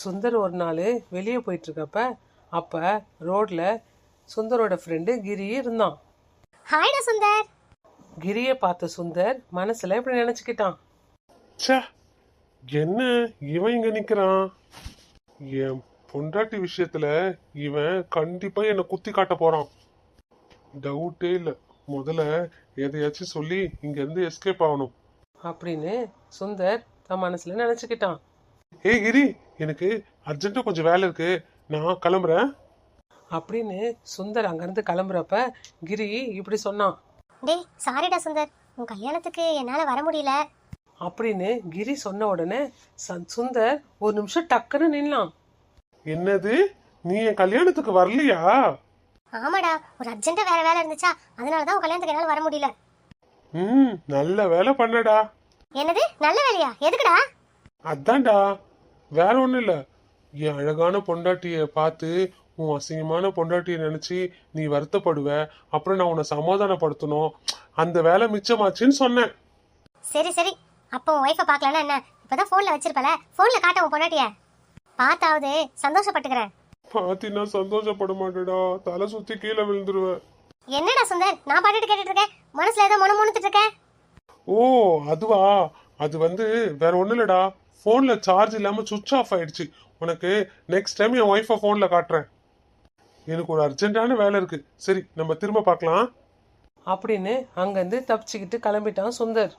சுந்தர் ஒரு நாள் வெளியே போயிட்டு இருக்கப்ப அப்ப ரோட்ல சுந்தரோட ஃப்ரெண்டு கிரி இருந்தான். ஹாய்டா சுந்தர். கிரியை பார்த்த சுந்தர் மனசுல இப்படி நினைச்சுக்கிட்டான், ச்சே, என்ன இவன் இங்க நிக்கிறான்? என் பொண்டாட்டி விஷயத்துல இவன் கண்டிப்பா என்ன குத்தி காட்ட போறான். டவுட்டே இல்ல. முதல்ல எதையாச்சும் சொல்லி இங்க இருந்து எஸ்கேப் ஆகணும் அப்படின்னு சுந்தர் தன் மனசுல நினைச்சுக்கிட்டான். ஏய் கிரி, எனக்கு அர்ஜென்ட்டா கொஞ்சம் வேலை இருக்கு, நான் கிளம்புறேன் அப்படின்னு சுந்தர் அங்கிருந்து கிளம்புறப்ப கிரி இப்படி சொன்னான். டேய் சாரிடா சுந்தர், உன் கல்யாணத்துக்கு என்னால வர முடியல. அப்படின்னு கிரி சொன்ன உடனே சுந்தர் ஒரு நிமிஷம் டக்குன்னு நின்னான். என்னது, நீ என் கல்யாணத்துக்கு வரலையா? ஆமாடா, ஒரு அர்ஜென்ட்டா வேற வேலை இருந்துச்சா, அதனாலதான் உன் கல்யாணத்துக்கு என்னால வர முடியல. நல்ல வேலை பண்ணடா. என்னது நல்ல வேலையா? எதுக்குடா? அதான்டா, வேற ஒண்ணும் இல்ல. என் அழகான பொண்டாட்டிய பார்த்து உன் அசிங்கமான பொண்டாட்டிய நினைச்சு நீ வருத்தப்படுவ, அப்புறம் நான் உன்னை சமாதானப்படுத்தணும், அந்த வேலை மிச்சமாச்சுன்னு சொன்னேன். சரி சரி, அப்போ உன் ஒய்ஃபை பார்க்கலன்னா என்ன? இப்பதான் போன்ல வச்சிருப்பல, போன்ல காட்ட உன் பொண்டாட்டிய பார்த்தாவது சந்தோஷப்பட்டுக்கிறேன். பாத்தீங்கன்னா சந்தோஷப்பட மாட்டேடா, தலை சுத்தி கீழே விழுந்துருவேன். என்னடா சுந்தர், நான் பாட்டுட்டு கேட்டுட்டு இருக்கேன், மனசுல ஏதோ முணுமுணுத்துட்டு இருக்கேன். ஓ அதுவா, அது வேற ஒண்ணும் இல்லடா, போன்ல சார்ஜ் இல்லாம சுவிட்ச் ஆஃப் ஆயிடுச்சு. உனக்கு நெக்ஸ்ட் டைம் என் ஒய்ஃபை போன்ல காட்டுறேன். எனக்கு ஒரு அர்ஜென்ட்டான வேலை இருக்கு, சரி நம்ம திரும்ப பார்க்கலாம் அப்படின்னு அங்கிருந்து தப்பிச்சுக்கிட்டு கிளம்பிட்டான் சுந்தர்.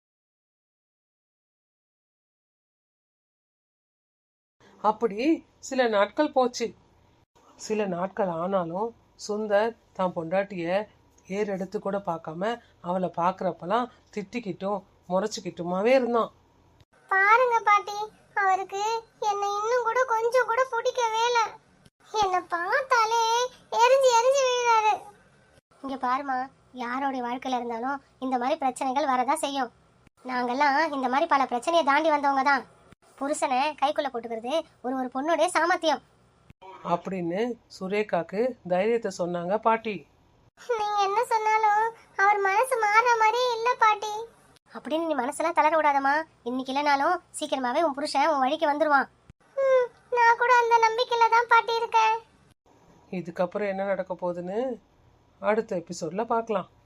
அப்படி சில நாட்கள் போச்சு. சில நாட்கள் ஆனாலும் சுந்தர் தான் பொண்டாட்டிய ஏறெடுத்து கூட பார்க்காம அவளை பார்க்கறப்பெல்லாம் திட்டிக்கிட்டும் முறைச்சிக்கிட்டுமாவே இருந்தான். பாருங்க பாட்டி, அவருக்கு என்னை இன்னும் கூட கொஞ்சம் கூட பிடிக்கவே இல்லை. என்னை பார்த்தாலே எரிஞ்சு எரிஞ்சு விழுறாரு. இங்க பாருமா, யாரோடைய வாழ்க்கையில இருந்தாலும் இந்த மாதிரி பிரச்சனைகள் வரதான் செய்யும். நாங்கெல்லாம் இந்த மாதிரி பல பிரச்சனையை தாண்டி வந்தவங்க தான். புருஷனை கைக்குள்ள போட்டுக்கிறது ஒரு பொண்ணுடைய சாமர்த்தியம் அப்படின்னு சுரேகாக்கு தைரியத்தை சொன்னாங்க பாட்டி. நீங்க என்ன சொன்னாலும் அவர் மனசு மாற மாதிரியே இல்ல பாட்டி. அப்படின்னு நீ மனசெல்லாம் தளர விடாதமா. இன்னைக்கு இல்லைனாலும் சீக்கிரமாவே உன் புருஷன் உன் வழிக்கு வந்துருவான். நான் கூட அந்த நம்பிக்கையில தான் பாட்டி இருக்கேன். இதுக்கப்புறம் என்ன நடக்க போகுதுன்னு அடுத்த எபிசோட்ல பார்க்கலாம்.